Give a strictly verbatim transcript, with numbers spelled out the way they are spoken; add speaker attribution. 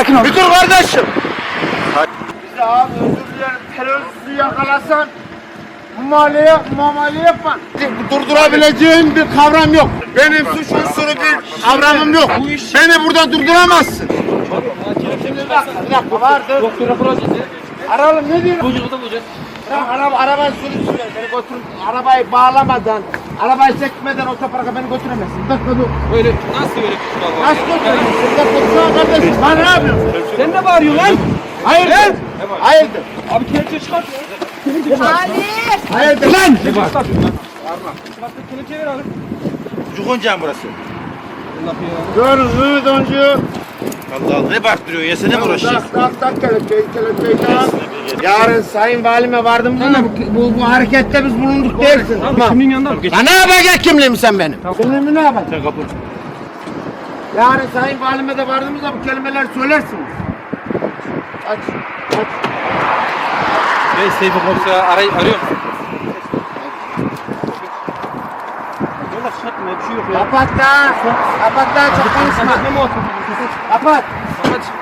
Speaker 1: sakin ol.
Speaker 2: Bir dur kardeşim. Bize abi özür dilerim. Teröristi yakalasan muamele, muamele yapma. Durdurabileceğim bir kavram yok. Benim suç unsuru bir kavramım yok. Beni buradan durduramazsın. Şimdi bir dakika, bir dakika vardır.
Speaker 3: Doktora bulacağız ya.
Speaker 2: Aralım ne diyorsun?
Speaker 3: Bucuğu da bulacağız.
Speaker 2: Bırak araba, arabayı sürüsün. Beni götür. Arabayı bağlamadan, arabayı çekmeden otoparka beni götüremezsin. Bir dakika dur.
Speaker 3: Böyle nasıl böyle bir şey var?
Speaker 2: Nasıl götüremezsin? Bir dakika dur kardeşim. Bana ne yapıyorsun?
Speaker 3: Sen ne bağırıyorsun lan?
Speaker 2: Hayırdır? Hayırdır?
Speaker 3: Abi kelepçe çıkart ya.
Speaker 2: Hayırdır lan?
Speaker 3: Ne var? Çıkart kelepçe ver abi.
Speaker 4: Cukuncağım burası.
Speaker 3: Allah ya.
Speaker 2: Dur Mehmet Oncu.
Speaker 4: Allah Allah ne baktırıyorsun ya, sene mi uğraşacağız?
Speaker 2: Tak tak tak kelepçeyi kelepçeyi tak. Yarın sayın valime vardım da bu, bu, bu harekette biz bulunduk dersin.
Speaker 3: Abi
Speaker 2: Tamam.
Speaker 3: kimliğin yanında mı?
Speaker 2: Ya ne yapacaksın kimliğimi sen benim? Kimliğimi ne yapacaksın?
Speaker 4: Sen kapı.
Speaker 2: Yarın sayın valime de vardığımızda bu kelimeler söylersiniz. Aç, aç.
Speaker 3: Hey Seyfi komiser aray arıyor musun? Yola çıkartma bir şey yok ya.
Speaker 2: Kapat da. Kapat da çok konuşma.
Speaker 3: Ne mi olsun?
Speaker 2: Kapat.
Speaker 3: Kapat.